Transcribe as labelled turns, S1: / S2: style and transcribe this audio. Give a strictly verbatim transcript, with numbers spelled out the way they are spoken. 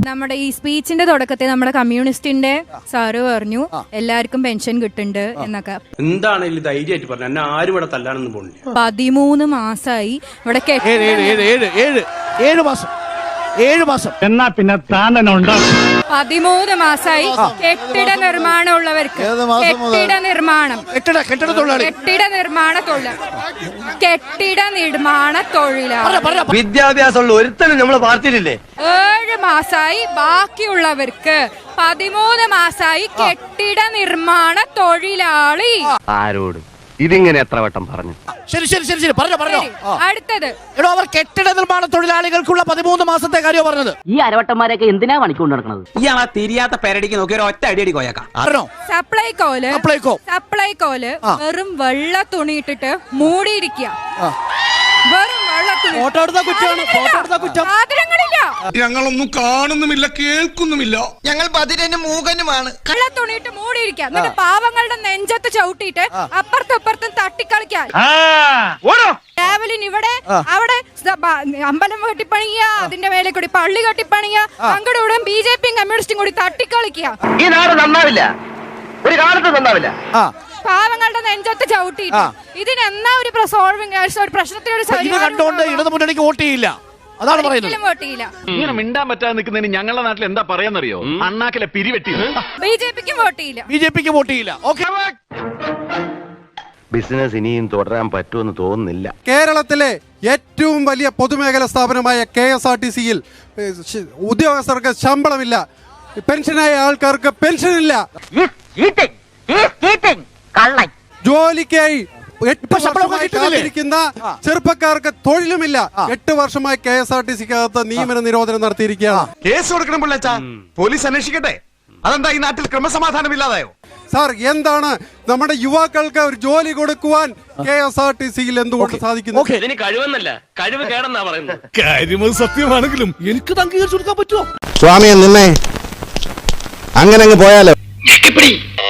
S1: നമ്മുടെ ഈ സ്പീച്ചിന്റെ തുടക്കത്തിൽ നമ്മുടെ കമ്മ്യൂണിസ്റ്റിന്റെ സാറ് പറഞ്ഞു എല്ലാവർക്കും പെൻഷൻ കിട്ടുന്നുണ്ട് എന്നൊക്കെ.
S2: എന്താണ് ധൈര്യമായിട്ട് പറഞ്ഞു, എന്നെ ആരും ഇവിടെ തല്ലാനൊന്നും പോകുന്നില്ല.
S1: പതിമൂന്ന് മാസമായി ഇവിടെ
S3: ഏഴ് മാസം ഏഴ് മാസം
S4: എന്നാ പിന്നെ താൻ തന്നെ ഉണ്ടാകും.
S1: പതിമൂന്ന് മാസമായി കെട്ടിട നിർമ്മാണം ഉള്ളവർക്ക് കെട്ടിട നിർമ്മാണം
S3: കെട്ടിട തൊഴിലാളി
S1: കെട്ടിട നിർമ്മാണ തൊഴിലാളി കെട്ടിട നിർമ്മാണ തൊഴിലാളി
S5: വിദ്യാഭ്യാസമുള്ള ഒരുത്തനും നമ്മളെ പാർട്ടിയിലില്ലേ?
S1: ഏഴ് മാസമായി ബാക്കിയുള്ളവർക്ക് പതിമൂന്ന് മാസമായി കെട്ടിട നിർമ്മാണ തൊഴിലാളി.
S5: ആരോട് ഇതിങ്ങനെ എത്ര വട്ടം പറഞ്ഞു?
S3: ശരി ശരി ശരി ശരി പറഞ്ഞോ പറഞ്ഞോ.
S1: അടുത്തത്
S3: എടോ, അവർ കെട്ടിട നിർമ്മാണ തൊഴിലാളികൾക്കുള്ള പതിമൂന്ന് മാസത്തെ കാര്യം പറഞ്ഞത്.
S6: ഈ അരവട്ടന്മാരൊക്കെ എന്തിനാ പണിക്കൊണ്ട് നടക്കുന്നത്?
S7: ഇയാളാ തിരിയാത്ത പെരടിക്ക് നോക്കി ഒരു ഒറ്റ അടിയടി കോയക്കാം.
S1: സപ്ലൈകോല്
S3: സപ്ലൈകോ
S1: സപ്ലൈകോല് വെറും വെള്ള തുണി ഇട്ടിട്ട് മൂടിയിരിക്കുക. വെറും വെള്ള തുണി. സാധനങ്ങളില്ല,
S8: ഞങ്ങളൊന്നും കാണുന്നുമില്ല കേൾക്കുന്നുമില്ല.
S5: ഞങ്ങൾ ബദിരനും മൂകനുമാണ്.
S1: വെള്ള തുണിയിട്ട് മൂടിയിരിക്കുക. എന്നിട്ട് പാവങ്ങളുടെ നെഞ്ചത്ത് ചവിട്ടിയിട്ട് അപ്പുറത്തും ഇപ്പുറത്തും തട്ടിക്കളിക്കാൻ. രാവിലെ ഇവിടെ അവിടെ അമ്പലം കെട്ടിപ്പണിയ, അതിന്റെ മേലെ കൂടി പള്ളി കെട്ടിപ്പണിയ, അങ്ങോട്ടും ഇവിടെ ബി ജെ പിയും കമ്മ്യൂണിസ്റ്റും കൂടി തട്ടിക്കളിക്കുക.
S5: ഈ നാട് നന്നാവില്ല, ഒരു കാലത്ത് നന്നാവില്ല.
S1: പാവങ്ങളുടെ നെഞ്ചത്ത് ചവിട്ടിയിട്ട് ഇതിനെന്നാ ഒരു സോൾവിംഗ് ഒരു പ്രശ്നത്തിനൊരു
S3: കണ്ടുകൊണ്ട് ഇടതു മുന്നണിക്ക് വോട്ട് ചെയ്യില്ല, അതാണ് പറയുന്നത്.
S1: വോട്ട് ചെയ്യില്ല.
S4: ഇങ്ങനെ മിണ്ടാൻ പറ്റാതെ നിൽക്കുന്നതിന് ഞങ്ങളുടെ നാട്ടിൽ എന്താ പറയാന്നറിയോ? അണ്ണാക്കിലെ പിരിവെട്ടി.
S1: ബി ജെ പിക്കും വോട്ട് ചെയ്യില്ല.
S3: ബി ജെ പിക്ക് വോട്ട് ചെയ്യില്ല. ഓക്കെ,
S5: ബിസിനസ് ഇനിയും തുടരാൻ പറ്റുമെന്ന് തോന്നുന്നില്ല.
S8: കേരളത്തിലെ ഏറ്റവും വലിയ പൊതുമേഖലാ സ്ഥാപനമായ കെ എസ് ആർ ടി സിയിൽ ഉദ്യോഗസ്ഥർക്ക് ശമ്പളമില്ല, പെൻഷനായ ആൾക്കാർക്ക് പെൻഷനില്ല, ജോലിക്കായി കാത്തിരിക്കുന്ന ചെറുപ്പക്കാർക്ക് തൊഴിലുമില്ല. എട്ട് വർഷമായി കെ എസ് ആർ ടി സിക്കകത്ത് നിയമന നിരോധനം നടത്തിയിരിക്കുകയാണ്. കേസ് കൊടുക്കണം പിള്ളേച്ചാ, പോലീസ് അന്വേഷിക്കട്ടെ. അതെന്താ ഈ നാട്ടിൽ ക്രമസമാധാനം ഇല്ലാതായോ? സാർ, എന്താണ് നമ്മുടെ യുവാക്കൾക്ക് ഒരു ജോലി കൊടുക്കുവാൻ കെ എസ് ആർ ടി സിയിൽ എന്തുകൊണ്ട് സാധിക്കുന്നു?
S2: ഇതിന് കഴിവെന്നല്ല, കഴിവ് കേടെന്നാ പറയുന്നത്.
S8: കാര്യം സത്യമാണെങ്കിലും എനിക്ക് അംഗീകരിച്ചു കൊടുക്കാൻ പറ്റുമോ?
S5: സ്വാമിയെ നിന്നെ അങ്ങനെ അങ്ങ് പോയാലോ?